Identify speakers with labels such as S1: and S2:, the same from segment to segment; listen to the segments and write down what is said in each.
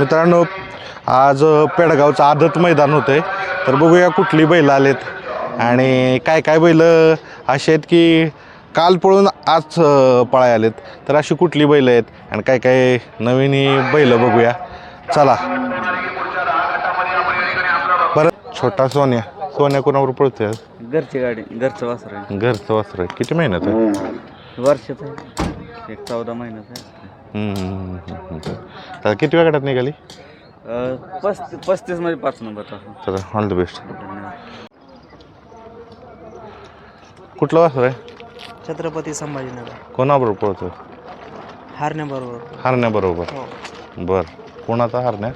S1: मित्रांनो, आज पेडगावचं आदत मैदान होतं आहे. तर बघूया कुठली बैल आलेत आणि काय काय बैल अशी आहेत की काल पळून आज पळाय आलेत. तर अशी कुठली बैल आहेत आणि काय काय नवीन ही बैल बघूया. चला. परत छोटा सोन्या. सोन्या कोणावर पळतोय?
S2: घरची गाडी, घरचं वासर आहे.
S1: घरचं वासर आहे. किती महिन्यात आहे?
S2: वर्षाचं आहे, एक 14 महिन्याचं आहे.
S1: तर किती वेळ गटात निघाली?
S2: 35 मध्ये 5 नंबर टाकून.
S1: चला, ऑल द बेस्ट. कुठलं वासर आहे?
S3: छत्रपती संभाजीनगर.
S1: कोणाबरोबर पळतोय?
S3: हारण्याबरोबर.
S1: हरण्याबरोबर.
S3: हो.
S1: बर. कोणाचा हरण्या?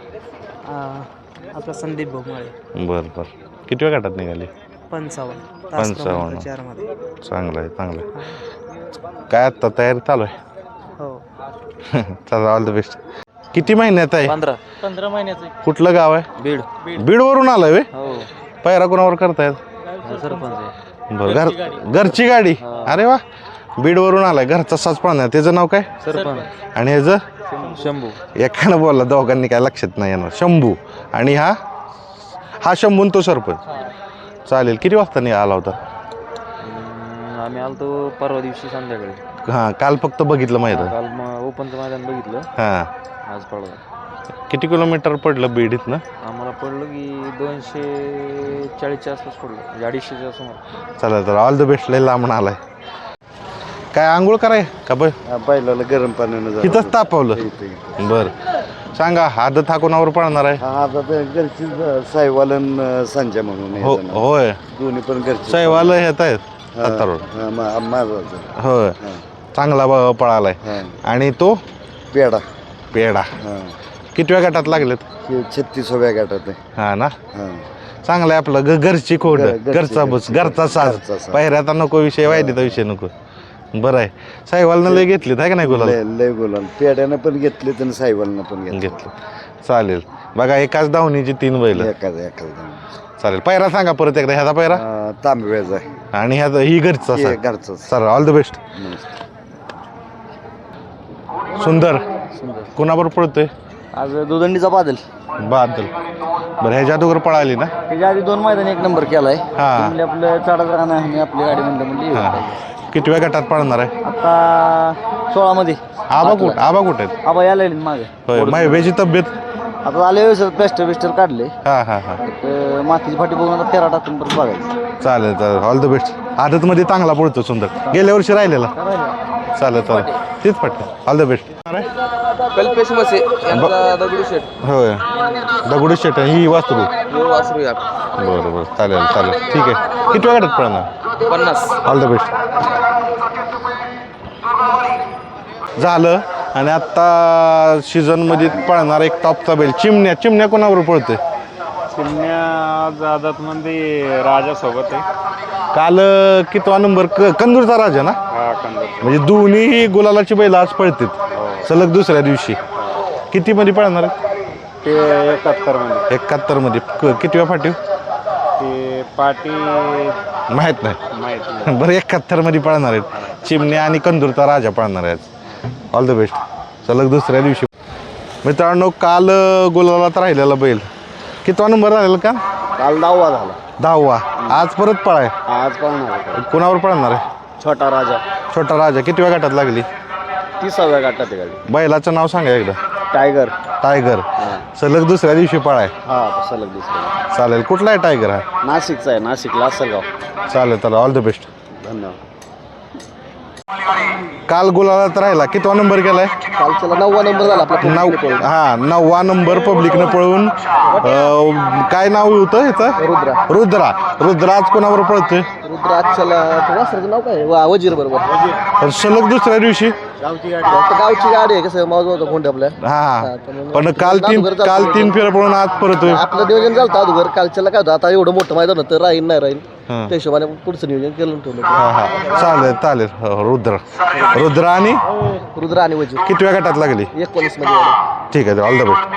S3: आपला संदीप भोगमाळे.
S1: बर. किती वेळ गटात निघाली?
S3: 55.
S1: 55.
S3: 4 मध्ये.
S1: चांगलं आहे. काय आत्ता तयारी चालू आहे?
S3: हो.
S1: चला, ऑल द बेस्ट. किती महिन्यात आहे?
S3: 15 महिन्याचं.
S1: कुठलं गाव आहे?
S2: बीड.
S1: बीडवरून आलाय वे?
S2: हो.
S1: पैरा कोणावर करतायत?
S2: सरपंच आहे.
S1: बरं. घरची गाडी. अरे वा. बीडवरून आलाय. घरचा साच पाळणार. त्याचं नाव काय?
S2: सरपंच.
S1: आणि ह्याचं?
S2: शंभू.
S1: एकानं बोलला, दोघांनी काय लक्षात नाही येणार. शंभू. आणि हा शंभू आणि तो सरपंच. चालेल. किती वाजता आला होता?
S2: आम्ही आलतो परवा दिवशी संध्याकाळी.
S1: हां, काल फक्त बघितलं मैदान.
S2: काल ओपनचं मैदान बघितलं.
S1: हां.
S2: आज पडलं.
S1: किती किलोमीटर पडलं बीड इथनं?
S2: आम्हाला पडलं की 240च्या आसपास पडलं, 250च्या समोर.
S1: चला तर ऑल द बेस्ट. लय लांबून आलाय. काय आंघोळ कराय का
S4: बैलाला गरम पाण्यानं
S1: तिथंच तापवलं? बरं. सांगा, आदत हा कोणावर पळणार आहे?
S4: आता घरची साईवालन संजय म्हणून
S1: हो, होय.
S4: दोन्ही पण घरची
S1: साईवाल येत आहेत हातावर.
S4: माझा
S1: होय. चांगला पळालाय. आणि तो पेडा. किती वेळ गटात लागलेत?
S4: 36व्या गटात आहे.
S1: हा ना. चांगलं आहे आपलं घरची खोड. घरचा बस, घरचा साज. पायऱ्याचा नको विषय, वायदीचा विषय नको. बरं आहे. साईवालनं लय घेतलीत आहे का नाही गुलाल?
S4: लय गुलाल. पेड्यानं पण घेतले आणि साईवालनं पण
S1: घेतलं. चालेल. बघा, एकाच धावणीची 3 बैल.
S4: एकाच
S1: चालेल. पायरा सांगा परत एकदा. ह्याचा पायरा?
S4: तांबव्याचा आहे.
S1: आणि ह्याचा ही घरचा.
S4: घरचा.
S1: Sir, all the best. सुंदर. कोणाबरोबर पळतोय?
S2: आज दुदंडीचा बादल.
S1: बरं. ह्याच्या अगोदर पळाली ना?
S2: त्याच्या आधी 2 मैदान 1 नंबर केलाय.
S1: हा.
S2: म्हणले आपलं चढाच राहणं आणि आपली गाडी म्हणली
S1: हा. किती वेळ गटात पळणार आहे?
S2: आता 16 मध्ये.
S1: आबा कुठे आहेत?
S2: आबा यायला लागले मागे.
S1: होय. मायवेची तब्येत?
S2: आता आले व्यवस्थित प्लॅस्टर काढले.
S1: हा.
S2: मातीची फाटी बघून आता 13 टाकून परत बघायचं.
S1: चालेल. All the best. आदतमध्ये चांगला पळतो सुंदर. गेल्या वर्षी राहिलेला. चालेल. तीच फाटी. All the best.
S2: कल्पेश मसे यांचा दगडूशेठ.
S1: होय. दगडूशेठ ही वासरू.
S2: वासरू या.
S1: बरं. चालेल. ठीक आहे. किती वेळ गटात पळणार?
S2: 50.
S1: All the best. झालं. आणि आत्ता सीझनमध्ये पळणार एक टॉपचा बैल चिमण्या कोणावर पळतोय?
S5: चिमण्या आज आदतमध्ये राजासोबत आहे.
S1: काल कितवा नंबर? कंदूरचा राजा ना?
S5: हा, कंदर.
S1: म्हणजे दोन्ही गुलालाची बैल आज पळतात सलग दुसऱ्या दिवशी. किती मध्ये पळणार आहे?
S5: ते 71 मध्ये.
S1: 71 मध्ये. किती वेळ फाटी?
S5: ते पाटी
S1: माहित नाही.
S5: माहित नाही.
S1: बरं. 71 मध्ये पळणार आहेत चिमण्या आणि कंदूरचा राजा पळणार आहे. All the best. सलग दुसऱ्या दिवशी. मित्रांनो, काल गुलालात राहिलेला बैल कितवा नंबर राहिलेला का?
S4: काल 10वा झाला.
S1: 10वा. आज परत पळाय.
S4: आज पळणार
S1: कोणावर पळणार आहे?
S4: छोटा
S1: राजा. किती वेळ गटात लागली?
S4: 30व्या गटात गाडी.
S1: बैलाचं नाव सांगा एकदा. टायगर. सलग दुसऱ्या दिवशी पळाय.
S4: हा, सलग दुसऱ्या.
S1: चालेल. कुठला आहे टायगर हा?
S4: नाशिकचा आहे. नाशिकला असेलगाव.
S1: चालेल. All the best.
S4: धन्यवाद.
S1: काल गुलालात राहिला. कितवा नंबर केलाय?
S4: कालच्याला 9वा नंबर झाला आपला.
S1: 9वा नंबर पब्लिकनं पळवून. काय नाव होतं ह्याचं? रुद्रा आज कोणावर पळतोय?
S4: रुद्राक्षला वासराचं नाव काय? वजीर बरोबर.
S1: सलग दुसऱ्या दिवशी.
S4: गावची गाडी आहे. कसं मावज कोण आपल्या.
S1: हा. पण काल 3 फेर पळून आज परतोय.
S4: आपलं नियोजन झालं अगोदर. कालच्याला काय होतं, आता एवढं मोठं मैदान होतं, राहील त्या हिशोबाने पुढचं नियोजन केलं ठेवलं.
S1: चालेल. रुद्र आणि
S4: वजीर.
S1: किती वेळ गटात लागली?
S4: 19 मध्ये.
S1: ठीक आहे. All the best.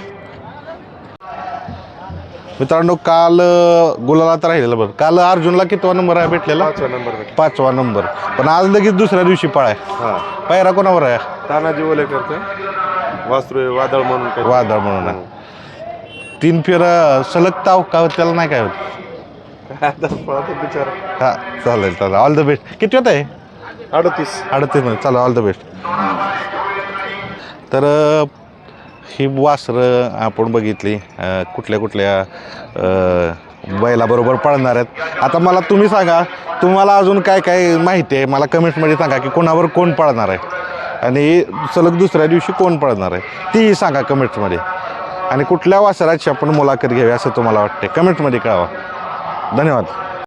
S1: मित्रांनो, काल गुलालात राहिलेला. बरं. काल अर्जुनला कितवा नंबर आहे भेटलेला? 5वा नंबर. पण आज लगेच दुसऱ्या दिवशी पळाय. पायरा कोणावर आहे?
S5: तानाजी ओले करतोय.
S6: वासरू वादळ म्हणून काय
S1: वादळ म्हणून आहे. 3 फेर सलग ताव का त्याला नाही काय होत.
S6: बिचारा.
S1: हा चालेल ऑल द बेस्ट. किती होत आहे
S6: 38.
S1: 38 मध्ये. चला ऑल द बेस्ट. तर ही वासरं आपण बघितली कुठल्या कुठल्या बैलाबरोबर पळणार आहेत. आता मला तुम्ही सांगा, तुम्हाला अजून काय काय माहिती आहे मला कमेंट्समध्ये सांगा की कोणावर कोण पळणार आहे आणि सलग दुसऱ्या दिवशी कोण पळणार आहे तीही सांगा कमेंट्समध्ये. आणि कुठल्या वासराची आपण मुलाखत घ्यावी असं तुम्हाला वाटते कमेंट्समध्ये कळवा. धन्यवाद.